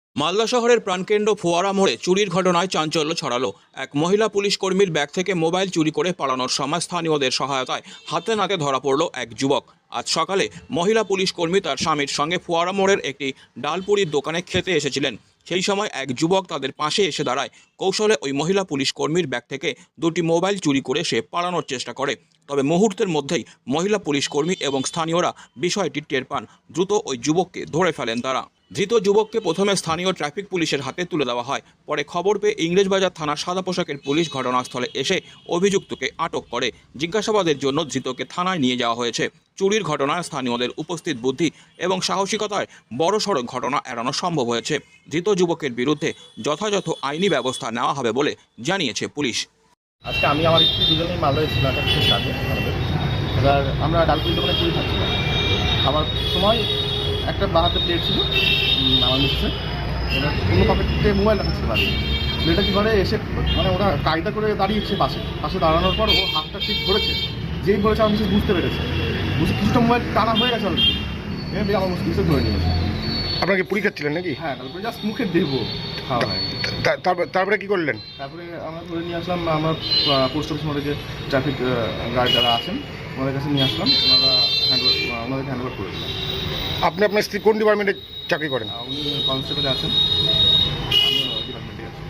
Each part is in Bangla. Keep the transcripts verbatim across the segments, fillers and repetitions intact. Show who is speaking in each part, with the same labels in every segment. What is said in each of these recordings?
Speaker 1: মালদা শহরের প্রাণকেন্দ্র ফোয়ারা মোড়ে চুরির ঘটনায় চাঞ্চল্য ছড়ালো। এক মহিলা পুলিশ কর্মীর ব্যাগ থেকে মোবাইল চুরি করে পালানোর সময় স্থানীয়দের সহায়তায় হাতে নাতে ধরা পড়ল এক যুবক। আজ সকালে মহিলা পুলিশ কর্মী তার স্বামীর সঙ্গে ফোয়ারা মোড়ের একটি ডালপুরির দোকানে খেতে এসেছিলেন। সেই সময় এক যুবক তাদের পাশে এসে দাঁড়ায়। কৌশলে ওই মহিলা পুলিশ কর্মীর ব্যাগ থেকে দুটি মোবাইল চুরি করে সে পালানোর চেষ্টা করে। তবে মুহূর্তের মধ্যেই মহিলা পুলিশ কর্মী এবং স্থানীয়রা বিষয়টি টের পান। দ্রুত ওই যুবককে ধরে ফেলেন তারা। ধৃত যুবককে প্রথমে স্থানীয় ট্রাফিক পুলিশের হাতে তুলে দেওয়া হয়। পরে খবর পেয়ে ইংরেজবাজার থানার সাদা পোশাকের পুলিশ ঘটনাস্থলে এসে অভিযুক্তকে আটক করে। জিজ্ঞাসাবাদের জন্য ধৃতকে থানায় নিয়ে যাওয়া হয়েছে। চুরির ঘটনায় স্থানীয়দের উপস্থিত বুদ্ধি এবং সাহসিকতায় বড়সড় ঘটনা এড়ানো সম্ভব হয়েছে। ধৃত যুবকের বিরুদ্ধে যথাযথ আইনি ব্যবস্থা নেওয়া হবে বলে জানিয়েছে পুলিশ।
Speaker 2: আজকে আমি আমার স্ত্রী দুজনেই মালদায় ছিলাম একটা বিশেষ কাজে আমাদের। এবার আমরা ডালপুরি দোকানে পুরি খাচ্ছিলাম। আমার সময় একটা বাহাতে প্লেট ছিল আমার মিক্সে, এবার কোনো পকেটে মোবাইল রাখা ছিল বাড়ি। মেয়েটা কী করে এসে মানে ওরা কায়দা করে দাঁড়িয়েছে পাশে পাশে দাঁড়ানোর পর ও হাতটা ঠিক ধরেছে। যেই ধরেছে আমি কিছু বুঝতে পেরেছে, বুঝে কিছুটা মোবাইল টানা হয়ে গেছে অলরেডি। এবার আমার কিছু ধরে নিয়েছে।
Speaker 3: আপনাকে পুরি খাচ্ছিলেন নাকি?
Speaker 2: হ্যাঁ, তারপরে জাস্ট মুখে দেবো খাওয়া হয়।
Speaker 3: তারপরে কি করলেন?
Speaker 2: তারপরে আমরা ধরে নিয়ে আসলাম আমার পোস্ট অফিস মোড়ে যে ট্রাফিক গার্ড যারা আছেন ওনাদের কাছে নিয়ে আসলাম। ওনারা হ্যান্ডওভার ওনাদেরকে হ্যান্ডওভার করে দিলাম।
Speaker 3: আপনি আপনার স্ত্রী কোন ডিপার্টমেন্টে চাকরি করেন?
Speaker 2: উনি কনস্টেবলে আছেন, আমি ডিপার্টমেন্টে আছি।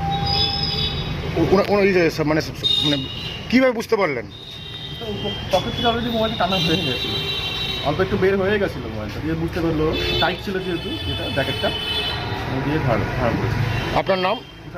Speaker 3: ওনার মানে মানে কীভাবে বুঝতে পারলেন?
Speaker 2: পকেট থেকে অলরেডি মোবাইলটা টানা হয়ে গেছিলো, অল্প একটু বের হয়ে গেছিলো মোবাইলটা দিয়ে বুঝতে পারলো। টাইট ছিল যেহেতু যেটা জ্যাকেটটা দিয়ে ধার ধার করেছে।
Speaker 3: আপনার নাম?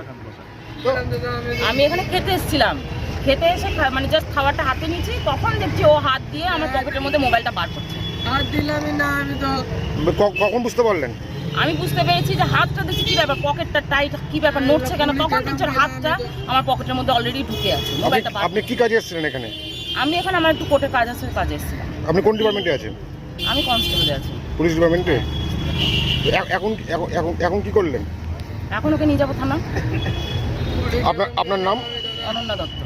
Speaker 4: আমি এখানে খেতে এসেছিলাম, খেতে এসে মানে জাস্ট খাবারটা হাতে নিয়েছি, তখন দেখছি ও হাত দিয়ে আমার পকেটের মধ্যে মোবাইলটা বার করছে।
Speaker 5: হাত দিলামই না আমি তো।
Speaker 3: কখন বুঝতে পারলেন?
Speaker 4: আমি বুঝতে পেরেছি যে হাতটা দেখছি কি ব্যাপার, পকেটটা টাইট, কি ব্যাপার নড়ছে কেন, তখন দেখছি ওর হাতটা আমার পকেটের মধ্যে অলরেডি ঢুকে আছে মোবাইলটা।
Speaker 3: আপনি কি কাজে এসেছিলেন এখানে?
Speaker 4: আমি এখানে আমার একটু কোর্টের কাজ আছে, কাজে এসেছিলাম।
Speaker 3: আপনি কোন ডিপার্টমেন্টে আছেন?
Speaker 4: আমি কনস্টেবলে আছি।
Speaker 3: পুলিশ ডিপার্টমেন্টে? এখন এখন এখন কি করলেন?
Speaker 4: এখন ওকে নিয়ে যাবো থানা।
Speaker 3: আপনার আপনার নাম?
Speaker 4: অনন্যা দত্ত।